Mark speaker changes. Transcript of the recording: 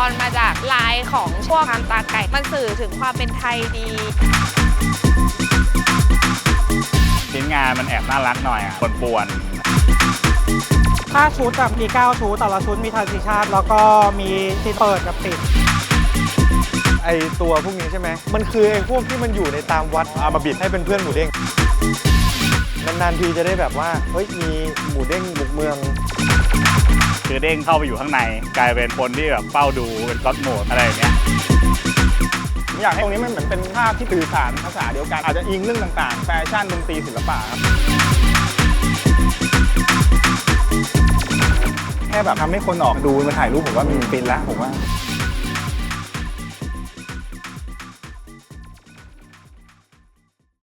Speaker 1: อนมาจากลายของพวกงานตาไก่มันสื่อถึงความเป็นไทยดี
Speaker 2: ชิ้นงานมันแอบน่ารักหน่อยอ่ะป่วน
Speaker 3: ถ้าชุดแบบมี9ชุดแต่ละชุดมีทรานซิชันแล้วก็มีซีนเปิดกับปิด
Speaker 4: ไอตัวพวกนี้ใช่ไหมมันคือไอพวกที่มันอยู่ในตามวัดเอามาบิดให้เป็นเพื่อนหมูเด้งนานๆทีจะได้แบบว่าเฮ้ยมีหมูเด้งบุกเมือง
Speaker 2: คือเด้งเข้าไปอยู่ข้างในกลายเป็นคนที่แบบเฝ้าดูเป็นก็อดโหมดอะไรอย่างเงี้ย
Speaker 5: ผมอยากให้ตรงนี้มันเหมือนเป็นภาพที่สื่อสารภาษาเดียวกันอาจจะอิงเรื่องต่างๆแฟชั่นดนตรีศิลปะครับแค่แบบทำให้คนออกมาดูมาถ่ายรูปผมว่ามันฟินแล้วผมว่า